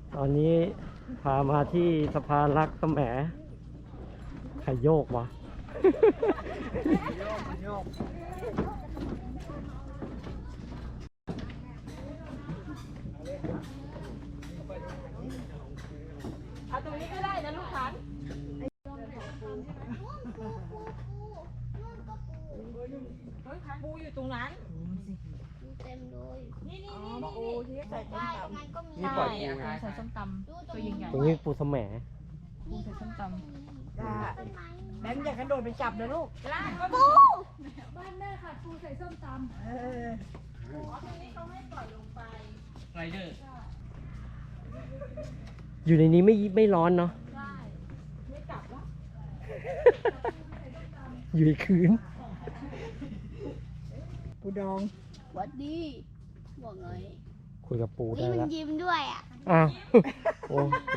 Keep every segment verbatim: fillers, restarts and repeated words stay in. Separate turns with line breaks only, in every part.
ตอนนี้พามาที่สะพานรักแสมใครโยกวะ
โยก
เอาตรงนี้ก็ได้นะลูกค้าเฮ้ยปูอยู่ตรงนั้น
เต็มเลย
นี่นี่
อ๋อ
นี่
ปูที่ใส่ต้ม
ใช่
ต
ตรงนั้นก็มี
นี่ปล่อย
ใช่ใส่ส้มตำตัวใหญ่
ตรงนี้ปูแสม
ๆปูใส่ส้มต
ำจ้าแบงค์อย่ากระโดดไปจับนะลูก
ำร้านก็
ปู
บ้านแม่ค่ะปูใส่ส้มตำ
เออ
อ๋อตรงนี้เขาไม่ปล่อยลงไป
ไรเดอร์
อยู่ในนี้ไม่ไม่ร้อนเนาะ
ได้ไม่กลับแล้ว
อยู่ในคืน
ปูดอง
หวัดดีบอกหน่อย
คุยกับปู
นี่
ได้
มัน
แล้ว
ยิ้มด้วยอ่ะ
อ้าวโอ้โห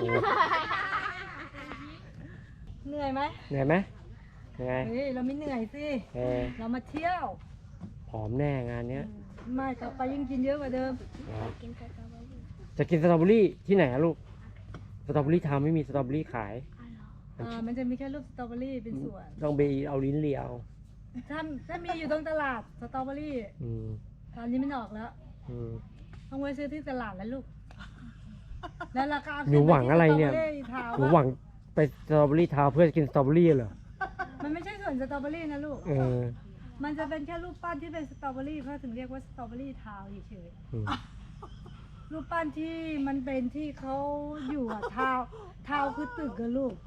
เหนื่อยไหม
เหนื่อยไหมยังไง
เฮ้ยเราไม่เหนื่อยสิ
เออ
เรามาเที่ยว
ผอมแน่งานเนี้ย
ไม่ต่อไปยิ่งกินเยอะกว่าเดิม
กินสตรอเบอรี่
จะกินสตรอเบอรี่ที่ไหนอะลูก สตรอเบอรี่ทำไม่มีสตรอเบอรี่ขาย
อ่ามันจะมีแค่รูปสตรอเบอรี่เป็นส่วน
ต้องไปเอาลิ้นเลียว
ถ้าถ้ามีอยู่ตรงตลาดสตรอเบอรี่
อืม
ตอนนี้ไม่ออกแล้ว
อืม
ต้องไปซื้อที่ตลาดแล้วลูก แล้วราคา
หนูหวังอะไรเนี่ย
สตบอรี่ทาว
หนูหวังไปสตรอเบอรี่ทาวน์เพื่อกินสตรอเบอรี่เหรอ
มันไม่ใช่ส่วนสตรอเบอรี่นะลูก
เออ
มันจะเป็นแค่รูปปั้นที่เป็นสตรอเบอรี่เขาถึงเรียกว่าสตรอเบอรี่ทาวน์เฉย
อืม
ๆรูปปั้นที่มันเป็นที่เขาอยู่อะทาวน์ทาวน์คือตึกอะลูก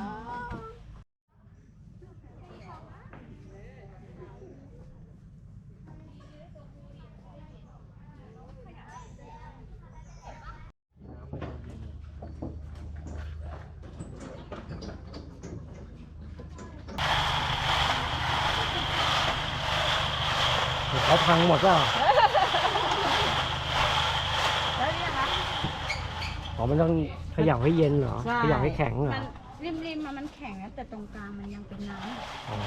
เขาพังหมดแล้ว
แล้วเนี่ยคะ
อ๋อมันต้องเขย่าให้เย็นเหรอ
ใช่
เขย่าให้แข็งเหรอ
มันริมริมๆมันแข็งนะแต่ตรงกลางมันยังเป็นน้ำ
อ๋อ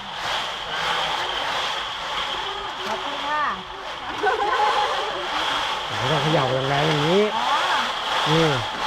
ขอบคุณค่ะ
ไม่ต้องเขย่าแรงๆอย่างนี้
อ๋อ
นี่